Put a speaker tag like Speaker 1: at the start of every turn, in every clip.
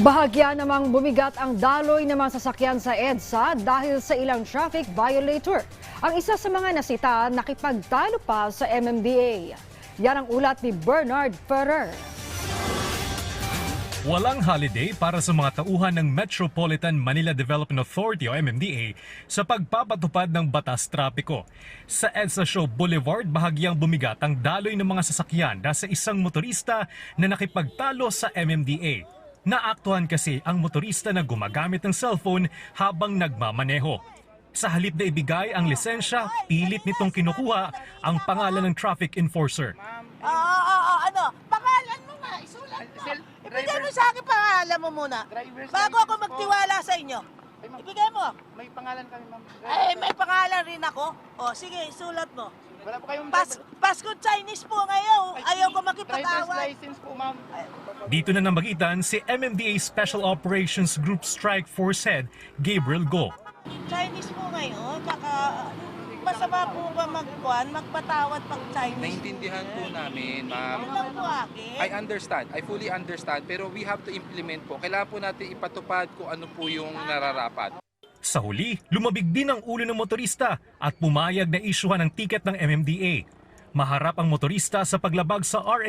Speaker 1: Bahagya namang bumigat ang daloy ng mga sasakyan sa EDSA dahil sa ilang traffic violator. Ang isa sa mga nasita nakipagtalo pa sa MMDA. Yan ang ulat ni Bernard Ferrer.
Speaker 2: Walang holiday para sa mga tauhan ng Metropolitan Manila Development Authority o MMDA sa pagpapatupad ng batas trapiko. Sa EDSA Show Boulevard, bahagyang bumigat ang daloy ng mga sasakyan dahil sa isang motorista na nakipagtalo sa MMDA. Naaktuhan kasi ang motorista na gumagamit ng cellphone habang nagmamaneho. Sa halip na ibigay ang lisensya, pilit nitong kinukuha ang pangalan ng traffic enforcer.
Speaker 3: Ano? Pangalan mo nga, isulat mo. Ibigay mo sa akin pangalan mo muna. Bago ako magtiwala sa inyo. Ibigay mo.
Speaker 4: May pangalan kami, ma'am.
Speaker 3: May pangalan rin ako. O, sige, isulat mo.
Speaker 4: Wala po kayong
Speaker 3: Pasko Chinese po ngayon. Ayaw ko
Speaker 4: driver's
Speaker 3: makipag-away.
Speaker 4: license po, ma'am.
Speaker 2: Dito na namagitan si MMDA Special Operations Group Strike Force Head Gabriel Go.
Speaker 3: Chinese po ngayon. Baka masama po ba magpatawad pag Chinese?
Speaker 5: Naintindihan po namin, ma'am.
Speaker 3: Ano lang po akin?
Speaker 5: I understand. I fully understand. Pero we have to implement po. Kailangan po natin ipatupad kung ano po yung nararapat.
Speaker 2: Sa huli, lumabig din ang ulo ng motorista at pumayag na isyuhan ng tiket ng MMDA. Maharap ang motorista sa paglabag sa RA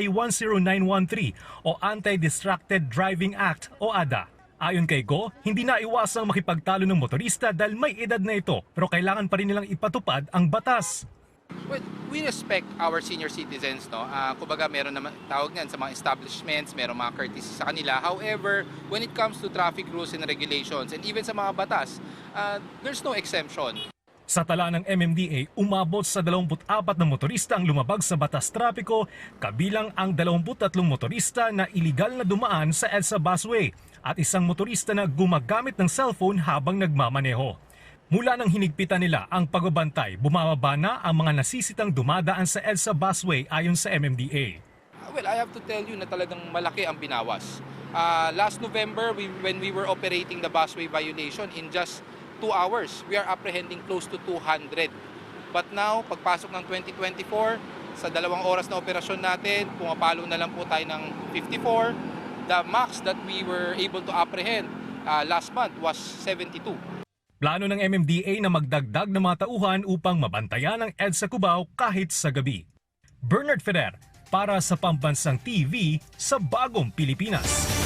Speaker 2: 10913 o Anti-Distracted Driving Act o ADA. Ayon kay Go, hindi na iwasang makipagtalo ng motorista dahil may edad na ito pero kailangan pa rin nilang ipatupad ang batas.
Speaker 5: Well, we respect our senior citizens, no? Kumbaga meron naman tawag niyan sa mga establishments, meron mga courtesy sa kanila. However, when it comes to traffic rules and regulations and even sa mga batas, there's no exemption.
Speaker 2: Sa tala ng MMDA, umabot sa 24 na motorista ang lumabag sa batas trapiko, kabilang ang 23 motorista na iligal na dumaan sa EDSA busway at isang motorista na gumagamit ng cellphone habang nagmamaneho. Mula nang hinigpitan nila ang pagbabantay, bumababa na ang mga nasisitang dumadaan sa EDSA busway ayon sa MMDA.
Speaker 5: Well, I have to tell you na talagang malaki ang binawas. Last November, when we were operating the busway violation, in just 2 hours, we are apprehending close to 200. But now, pagpasok ng 2024, sa 2 oras na operasyon natin, pumapalo na lang po tayo ng 54. The max that we were able to apprehend last month was 72.
Speaker 2: Plano ng MMDA na magdagdag ng mga tauhan upang mabantayan ang EDSA Cubao kahit sa gabi. Bernard Ferrer para sa Pambansang TV sa Bagong Pilipinas.